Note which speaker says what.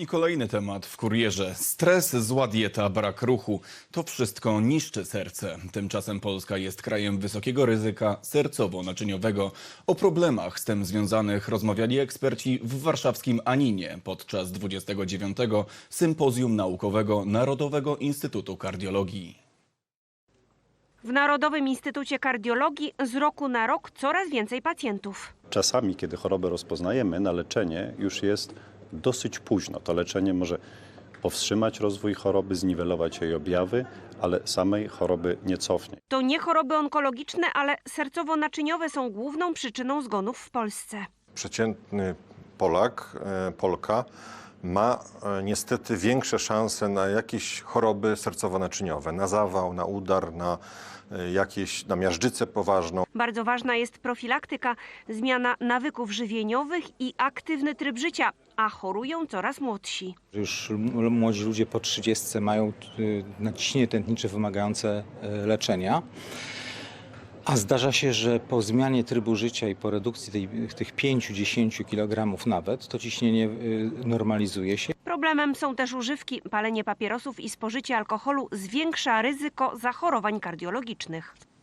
Speaker 1: I kolejny temat w kurierze. Stres, zła dieta, brak ruchu. To wszystko niszczy serce. Tymczasem Polska jest krajem wysokiego ryzyka sercowo-naczyniowego. O problemach z tym związanych rozmawiali eksperci w warszawskim Aninie podczas 29. Sympozjum Naukowego Narodowego Instytutu Kardiologii.
Speaker 2: W Narodowym Instytucie Kardiologii z roku na rok coraz więcej pacjentów.
Speaker 3: Czasami, kiedy chorobę rozpoznajemy, na leczenie już jest dosyć późno. To leczenie może powstrzymać rozwój choroby, zniwelować jej objawy, ale samej choroby nie cofnie.
Speaker 2: To nie choroby onkologiczne, ale sercowo-naczyniowe są główną przyczyną zgonów w Polsce.
Speaker 4: Przeciętny Polak, Polka ma niestety większe szanse na jakieś choroby sercowo-naczyniowe, na zawał, na udar, na miażdżycę poważną.
Speaker 2: Bardzo ważna jest profilaktyka, zmiana nawyków żywieniowych i aktywny tryb życia, a chorują coraz młodsi.
Speaker 5: Już młodzi ludzie po 30 mają nadciśnienie tętnicze wymagające leczenia. A zdarza się, że po zmianie trybu życia i po redukcji tych 5-10 kg nawet, to ciśnienie normalizuje się.
Speaker 2: Problemem są też używki. Palenie papierosów i spożycie alkoholu zwiększa ryzyko zachorowań kardiologicznych.